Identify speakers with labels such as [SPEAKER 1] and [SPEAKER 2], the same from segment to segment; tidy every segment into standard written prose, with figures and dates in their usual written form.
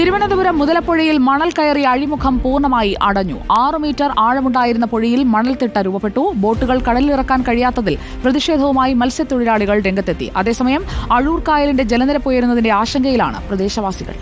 [SPEAKER 1] തിരുവനന്തപുരം മുതലപ്പുഴയിൽ മണൽ കയറി അഴിമുഖം പൂർണ്ണമായി അടഞ്ഞു. 6 മീറ്റർ ആഴമുണ്ടായിരുന്ന പുഴയിൽ മണൽത്തിട്ട രൂപപ്പെട്ടു. ബോട്ടുകൾ കടലിലിറക്കാൻ കഴിയാത്തതിൽ പ്രതിഷേധവുമായി മത്സ്യത്തൊഴിലാളികൾ രംഗത്തെത്തി. അതേസമയം അഴൂർ കായലിന്റെ ജലനിരപ്പ് ഉയരുന്നതിന്റെ ആശങ്കയിലാണ് പ്രദേശവാസികൾ.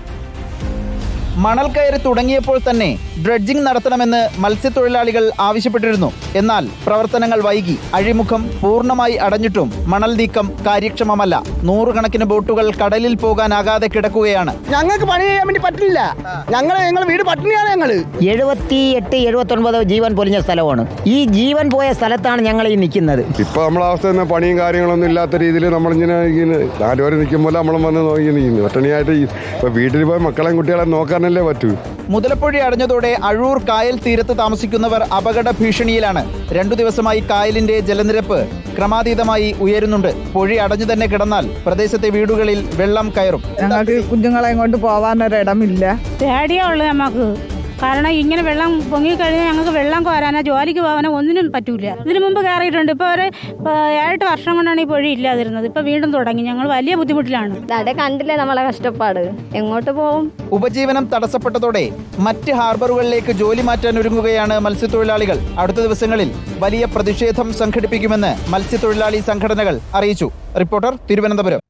[SPEAKER 2] മണൽ കയറി തുടങ്ങിയപ്പോൾ തന്നെ ഡ്രഡ്ജിംഗ് നടത്തണമെന്ന് മത്സ്യത്തൊഴിലാളികൾ ആവശ്യപ്പെട്ടിരുന്നു. എന്നാൽ പ്രവർത്തനങ്ങൾ വൈകി. അഴിമുഖം പൂർണ്ണമായി അടഞ്ഞിട്ടും മണൽ നീക്കം കാര്യക്ഷമമല്ല. 100 ബോട്ടുകൾ കടലിൽ പോകാനാകാതെ കിടക്കുകയാണ്.
[SPEAKER 3] ഞങ്ങൾക്ക് പണി ചെയ്യാൻ വേണ്ടി പറ്റില്ല. ഞങ്ങൾ വീട് പട്ടിണിയാണ്. ഞങ്ങൾ
[SPEAKER 4] 78-79 ജീവൻ പൊലിഞ്ഞ സ്ഥലമാണ്. ഈ ജീവൻ പോയ സ്ഥലത്താണ് ഞങ്ങൾ ഈ നിൽക്കുന്നത്.
[SPEAKER 5] ഇപ്പൊ നമ്മളെ അവസ്ഥ തന്നെ പണിയും കാര്യങ്ങളൊന്നും ഇല്ലാത്ത രീതിയിൽ നമ്മളിങ്ങനെ 4 പേര് നിൽക്കുമ്പോൾ നമ്മളും വന്ന് നോക്കി നിൽക്കുന്നു. പട്ടിണിയായിട്ട് ഇപ്പൊ വീട്ടിൽ പോയി മക്കളെയും കുട്ടികളെ നോക്കാനല്ലേ പറ്റൂ.
[SPEAKER 2] മുതലപ്പുഴ അടഞ്ഞതോടെ അഴൂർ കായൽ തീരത്ത് താമസിക്കുന്നവർ അപകട ഭീഷണിയിലാണ്. 2 ദിവസമായി കായലിന്റെ ജലനിരപ്പ് ക്രമാതീതമായി ഉയരുന്നുണ്ട്. പൊഴി അടഞ്ഞു തന്നെ കിടന്നാൽ പ്രദേശത്തെ വീടുകളിൽ വെള്ളം കയറും.
[SPEAKER 6] ഞങ്ങൾക്ക് കുഞ്ഞുങ്ങളെ കൊണ്ട് പോവാനൊരിടമില്ല.
[SPEAKER 7] പേടിയേ ഉള്ളൂ നമുക്ക്. കാരണം ഇങ്ങനെ വെള്ളം പൊങ്ങിക്കഴിഞ്ഞാൽ ഞങ്ങൾക്ക് വെള്ളം കോരാനോ ജോലിക്ക് പോകാനോ ഒന്നിനും പറ്റൂല. ഇതിനു മുമ്പ് കയറിയിട്ടുണ്ട്. ഇപ്പോൾ ഒരു 7 വർഷം കൊണ്ടാണ് ഈ പൊഴി ഇല്ലാതിരുന്നത്. ഇപ്പം വീണ്ടും തുടങ്ങി. ഞങ്ങൾ വലിയ ബുദ്ധിമുട്ടിലാണ്.
[SPEAKER 8] കണ്ടില്ലേ നമ്മളെ കഷ്ടപ്പാട്. എങ്ങോട്ട് പോകും?
[SPEAKER 2] ഉപജീവനം തടസ്സപ്പെട്ടതോടെ മറ്റ് ഹാർബറുകളിലേക്ക് ജോലി മാറ്റാൻ ഒരുങ്ങുകയാണ് മത്സ്യത്തൊഴിലാളികൾ. അടുത്ത ദിവസങ്ങളിൽ വലിയ പ്രതിഷേധം സംഘടിപ്പിക്കുമെന്ന് മത്സ്യത്തൊഴിലാളി സംഘടനകൾ അറിയിച്ചു. റിപ്പോർട്ടർ, തിരുവനന്തപുരം.